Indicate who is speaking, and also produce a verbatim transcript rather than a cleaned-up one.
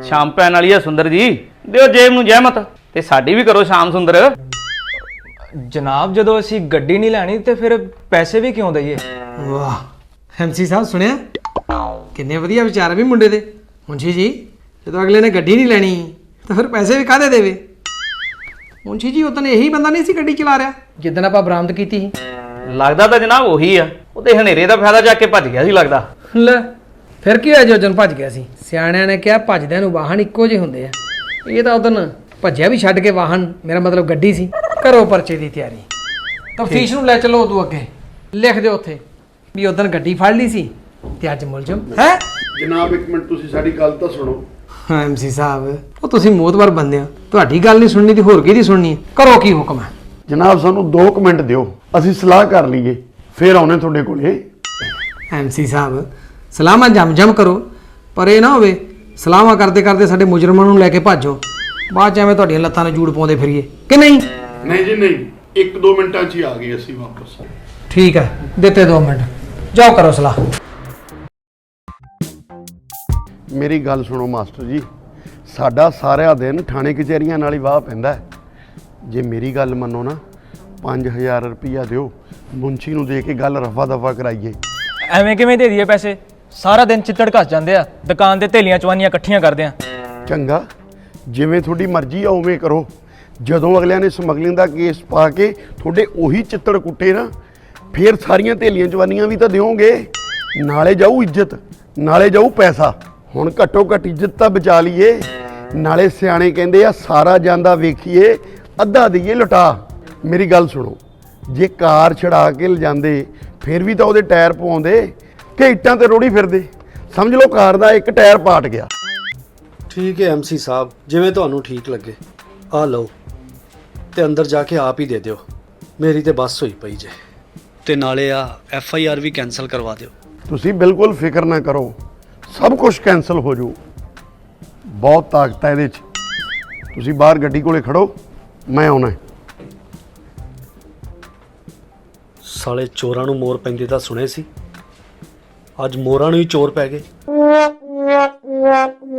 Speaker 1: शाम पैन वाली है सुंदर जी, दिओ जेब नूं जहमत ते साडी भी करो शाम सुंदर।
Speaker 2: जनाब जदों असीं गड्डी नहीं लैनी ते फिर पैसे भी क्यों दईए?
Speaker 3: वाह एम सी साहब सुनिया किन्ने वधिया विचार भी मुंडे दे। मुंशी जी जदों अगले ने गड्डी नहीं लैनी तो फिर पैसे भी काहदे देवे? मुंशी जी उदन यही बंदा नहीं सी गड्डी चला रहा जिदन आपां बरामद कीती सी।
Speaker 1: लगदा तां जनाब ਉਹੀ ਆ, ਉਹ ਤੇ ਹਨੇਰੇ ਦਾ ਫਾਇਦਾ ਚੱਕ ਕੇ ਭੱਜ ਗਿਆ ਸੀ ਲੱਗਦਾ।
Speaker 3: ਲੈ ਫਿਰ ਕੀ ਹੋਇਆ ਜੋ ਉਦਣ ਭੱਜ ਗਿਆ ਸੀ? ਸਿਆਣਿਆਂ ਨੇ ਕਿਹਾ ਭੱਜਦਿਆਂ ਨੂੰ ਵਾਹਨ ਇੱਕੋ ਜਿਹੇ ਹੁੰਦੇ ਆ। ਇਹ ਤਾਂ ਉਦਣ ਭੱਜਿਆ ਵੀ ਛੱਡ ਕੇ ਵਾਹਨ, ਮੇਰਾ ਮਤਲਬ ਗੱਡੀ ਸੀ। ਕਰੋ ਪਰਚੇ ਦੀ ਤਿਆਰੀ, ਤਫਤੀਸ਼ ਨੂੰ ਲੈ ਚਲੋ ਉਦੋਂ ਅੱਗੇ। ਲਿਖ ਦਿਓ ਉੱਥੇ ਵੀ ਉਦਣ ਗੱਡੀ ਫੜ ਲਈ ਸੀ ਤੇ ਅੱਜ ਮੁਲਜ਼ਮ ਹੈ।
Speaker 4: ਜਨਾਬ ਇੱਕ ਮਿੰਟ ਤੁਸੀਂ ਸਾਡੀ ਗੱਲ ਤਾਂ ਸੁਣੋ।
Speaker 3: ਹਾਂ ਐਮ ਸੀ ਸਾਹਿਬ ਉਹ ਤੁਸੀਂ ਮੋਤਬਰ ਬੰਦੇ ਹੋ, ਤੁਹਾਡੀ ਗੱਲ ਨਹੀਂ ਸੁਣਨੀ ਤੇ ਹੋਰ ਕਿਹਦੀ ਸੁਣਨੀ ਹੈ? ਕਰੋ ਕੀ ਹੁਕਮ ਹੈ?
Speaker 4: ਜਨਾਬ ਸਾਨੂੰ ਦੋ ਕੁ ਮਿੰਟ ਦਿਓ, ਅਸੀਂ ਸਲਾਹ ਕਰ ਲਈਏ ਫਿਰ ਆਉਣੇ ਤੁਹਾਡੇ ਕੋਲੇ।
Speaker 3: ਐਮ ਸੀ ਸਾਹਿਬ ਸਲਾਹਾਂ ਜਮ ਜਮ ਕਰੋ, ਪਰ ਇਹ ਨਾ ਹੋਵੇ ਸਲਾਹਾਂ ਕਰਦੇ ਕਰਦੇ ਸਾਡੇ ਮੁਜਰਮਾਂ ਨੂੰ ਲੈ ਕੇ ਭਾਜੋ, ਬਾਅਦ ਚ ਐਵੇਂ ਤੁਹਾਡੀਆਂ ਲੱਤਾਂ ਨੂੰ ਜੂੜ ਪਾਉਂਦੇ ਫਿਰੀਏ ਕਿ ਨਹੀਂ?
Speaker 4: ਨਹੀਂ ਜੀ ਨਹੀਂ, ਇੱਕ ਦੋ ਮਿੰਟਾਂ 'ਚ ਹੀ ਆ ਗਏ ਅਸੀਂ ਵਾਪਸ।
Speaker 3: ਠੀਕ ਹੈ ਦਿੱਤੇ ਦੋ ਮਿੰਟ, ਜਾਓ ਕਰੋ ਸਲਾਹ।
Speaker 4: ਮੇਰੀ ਗੱਲ ਸੁਣੋ ਮਾਸਟਰ ਜੀ, ਸਾਡਾ ਸਾਰਾ ਦਿਨ ਥਾਣੇ ਕਚਹਿਰੀਆਂ ਨਾਲ ਹੀ ਵਾਹ ਪੈਂਦਾ ਹੈ। ਜੇ ਮੇਰੀ ਗੱਲ ਮੰਨੋ ਨਾ ਪੰਜ ਹਜ਼ਾਰ ਰੁਪਈਆ ਦਿਓ, ਮੁੰਸ਼ੀ ਨੂੰ ਦੇ ਕੇ ਗੱਲ ਰਫਾ ਦਫਾ ਕਰਾਈਏ।
Speaker 2: ਐਵੇਂ ਕਿਵੇਂ ਦੇ ਦਈਏ ਪੈਸੇ? ਸਾਰਾ ਦਿਨ ਚਿੱਤੜ ਘਸ ਜਾਂਦੇ ਆ, ਦੁਕਾਨ ਤੇ ਥੇਲੀਆਂ ਚਵਾਨੀਆਂ ਇਕੱਠੀਆਂ ਕਰਦੇ ਆ।
Speaker 4: ਚੰਗਾ ਜਿਵੇਂ ਤੁਹਾਡੀ ਮਰਜ਼ੀ ਆ ਉਵੇਂ ਕਰੋ। ਜਦੋਂ ਅਗਲਿਆਂ ਨੇ ਸਮਗਲਿੰਗ ਦਾ ਕੇਸ ਪਾ ਕੇ ਤੁਹਾਡੇ ਉਹੀ ਚਿੱਤੜ ਕੁੱਟੇ ਨਾ, ਫਿਰ ਸਾਰੀਆਂ ਥੇਲੀਆਂ ਚਵਾਨੀਆਂ ਵੀ ਤਾਂ ਦਿਓਗੇ। ਨਾਲੇ ਜਾਊ ਇੱਜ਼ਤ, ਨਾਲੇ ਜਾਊ ਪੈਸਾ। ਹੁਣ ਘੱਟੋ ਘੱਟ ਇੱਜ਼ਤ ਤਾਂ ਬਚਾ ਲਈਏ। ਨਾਲੇ ਸਿਆਣੇ ਕਹਿੰਦੇ ਆ ਸਾਰਾ ਜਾਂਦਾ ਵੇਖੀਏ ਅੱਧਾ ਦਈਏ ਲੁਟਾ। ਮੇਰੀ ਗੱਲ ਸੁਣੋ, ਜੇ ਕਾਰ ਛੜਾ ਕੇ ਲਿਜਾਂਦੇ ਫਿਰ ਵੀ ਤਾਂ ਉਹਦੇ ਟਾਇਰ ਪਵਾਉਂਦੇ ਕਿ ਇੱਟਾਂ ਤੇ ਰੋੜੀ ਫਿਰਦੇ। ਸਮਝ ਲਓ ਕਾਰ ਦਾ ਇੱਕ ਟਾਇਰ ਪਾਟ ਗਿਆ।
Speaker 5: ਠੀਕ ਹੈ ਐਮ ਸੀ ਸਾਹਿਬ, ਜਿਵੇਂ ਤੁਹਾਨੂੰ ਠੀਕ ਲੱਗੇ। ਆ ਲਓ ਤੇ ਅੰਦਰ ਜਾ ਕੇ ਆਪ ਹੀ ਦੇ ਦਿਓ, ਮੇਰੀ ਤੇ ਬੱਸ ਹੋਈ ਪਈ ਜੇ। ਤੇ ਨਾਲੇ ਆ ਐਫ ਆਈ ਆਰ ਵੀ ਕੈਂਸਲ ਕਰਵਾ ਦਿਓ।
Speaker 4: ਤੁਸੀਂ ਬਿਲਕੁਲ ਫਿਕਰ ਨਾ ਕਰੋ, ਸਭ ਕੁਝ ਕੈਂਸਲ ਹੋ ਜਾਊ। ਬਹੁਤ ਤਾਕਤ ਹੈ ਇਹਦੇ 'ਚ। ਤੁਸੀਂ ਬਾਹਰ ਗੱਡੀ ਕੋਲੇ ਖੜੋ, ਮੈਂ ਆਉਣਾ।
Speaker 5: ਸਾਲੇ ਚੋਰਾਂ ਨੂੰ ਮੋਰ ਪੈਂਦੇ ਤਾਂ ਸੁਣੇ ਸੀ, ਅੱਜ ਮੋਰਾਂ ਨੂੰ ਹੀ ਚੋਰ ਪੈ ਗਏ।